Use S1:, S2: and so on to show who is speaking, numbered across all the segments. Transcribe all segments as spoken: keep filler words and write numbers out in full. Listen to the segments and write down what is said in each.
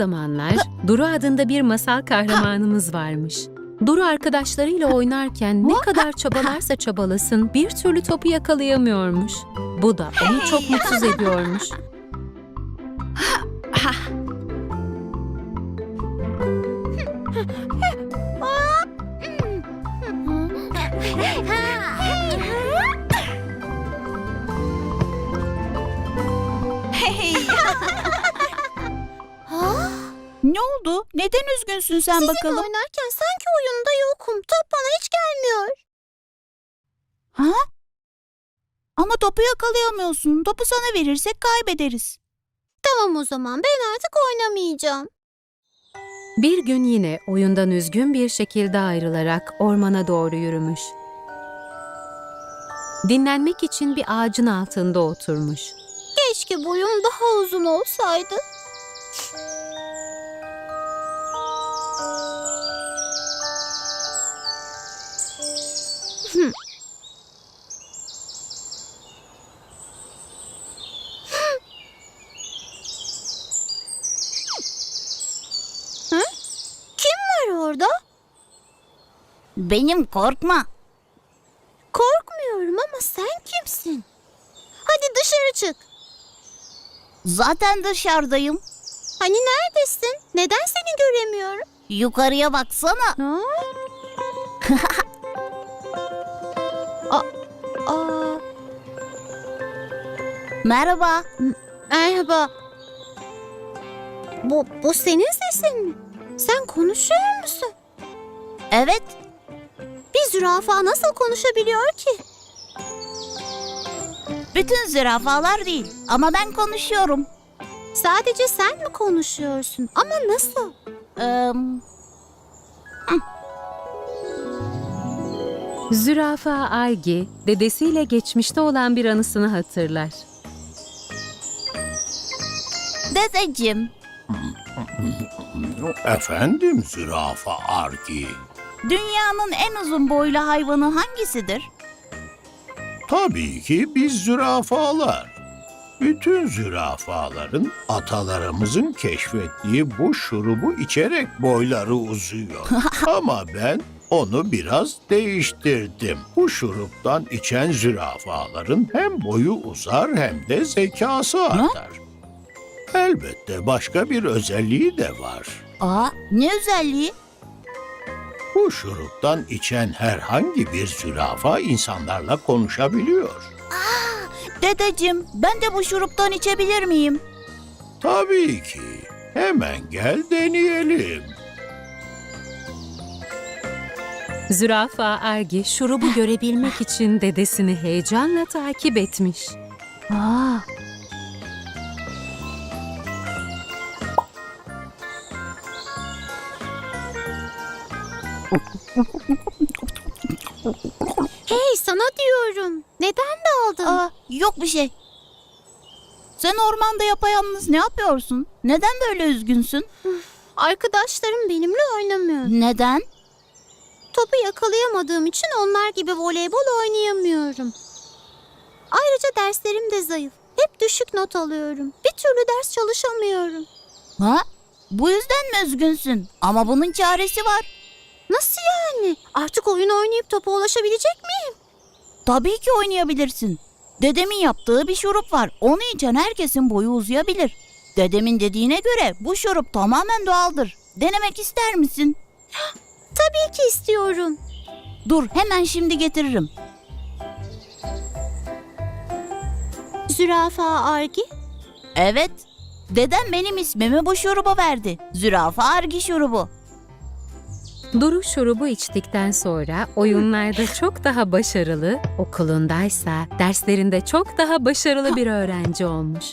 S1: zamanlar Duru adında bir masal kahramanımız varmış. Duru arkadaşlarıyla oynarken ne kadar çabalarsa çabalasın bir türlü topu yakalayamıyormuş. Bu da onu çok mutsuz ediyormuş.
S2: Ne oldu? Neden üzgünsün sen
S3: Sizinle
S2: bakalım?
S3: oynarken sanki oyunda yokum. Top bana hiç gelmiyor.
S2: Ha? Ama topu yakalayamıyorsun. Topu sana verirsek kaybederiz.
S3: Tamam o zaman ben artık oynamayacağım.
S1: Bir gün yine oyundan üzgün bir şekilde ayrılarak ormana doğru yürümüş. Dinlenmek için bir ağacın altında oturmuş.
S3: Keşke boyum daha uzun olsaydı. Hmm. Hı? Kim var orada?
S2: Benim, korkma.
S3: Korkmuyorum ama sen kimsin? Hadi dışarı çık.
S2: Zaten dışarıdayım.
S3: Hani neredesin? Neden seni göremiyorum?
S2: Yukarıya baksana.
S3: Ha? Aa, aa,
S2: Merhaba.
S3: merhaba. Bu, bu senin sesin mi? Sen konuşuyor musun?
S2: Evet.
S3: Bir zürafa nasıl konuşabiliyor ki?
S2: Bütün zürafalar değil. Ama ben konuşuyorum.
S3: Sadece sen mi konuşuyorsun? Ama nasıl?
S2: Ee,
S1: Zürafa Argi, dedesiyle geçmişte olan bir anısını hatırlar.
S2: dedeciğim.
S4: Efendim zürafa Argi.
S2: Dünyanın en uzun boylu hayvanı hangisidir?
S4: Tabii ki biz zürafalar. Bütün zürafaların atalarımızın keşfettiği bu şurubu içerek boyları uzuyor. Ama ben onu biraz değiştirdim. Bu şuruptan içen zürafaların hem boyu uzar hem de zekası artar. Elbette başka bir özelliği de var.
S2: Aa, ne özelliği?
S4: Bu şuruptan içen herhangi bir zürafa insanlarla konuşabiliyor.
S2: Dedeciğim, ben de bu şuruptan içebilir miyim?
S4: Tabii ki. Hemen gel deneyelim.
S1: Zürafa Argi, şurubu görebilmek için dedesini heyecanla takip etmiş.
S2: Aa,
S3: Hey sana diyorum. Neden daldın?
S2: aa, yok bir şey. Sen ormanda yapayalnız ne yapıyorsun? Neden böyle üzgünsün?
S3: Arkadaşlarım benimle oynamıyor.
S2: Neden?
S3: Topu yakalayamadığım için onlar gibi voleybol oynayamıyorum. Ayrıca derslerim de zayıf. Hep düşük not alıyorum. Bir türlü ders çalışamıyorum.
S2: Ha? Bu yüzden mi üzgünsün? Ama bunun çaresi var.
S3: Nasıl yani? Artık oyun oynayıp topa ulaşabilecek miyim?
S2: Tabii ki oynayabilirsin. Dedemin yaptığı bir şurup var. Onu içen herkesin boyu uzayabilir. Dedemin dediğine göre bu şurup tamamen doğaldır. Denemek ister misin?
S3: Tabii ki istiyorum.
S2: Dur, hemen şimdi getiririm.
S3: Zürafa Argi.
S2: Evet, dedem benim ismimi bu şuruba verdi. Zürafa Argi şurubu.
S1: Duru şurubu içtikten sonra oyunlarda çok daha başarılı, okulundaysa derslerinde çok daha başarılı bir öğrenci olmuş.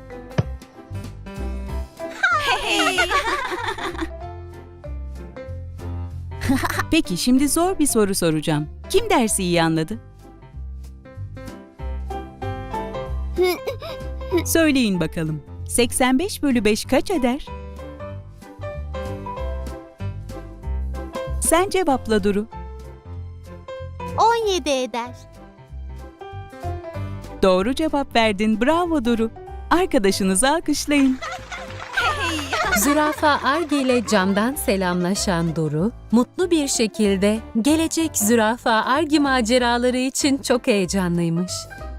S5: Peki şimdi zor bir soru soracağım. Kim dersi iyi anladı? Söyleyin bakalım. seksen beş bölü beş kaç eder? Sen cevapla Duru.
S3: on yedi eder.
S5: Doğru cevap verdin. Bravo Duru. Arkadaşınızı alkışlayın.
S1: Zürafa Argi ile camdan selamlaşan Duru, mutlu bir şekilde gelecek Zürafa Argi maceraları için çok heyecanlıymış.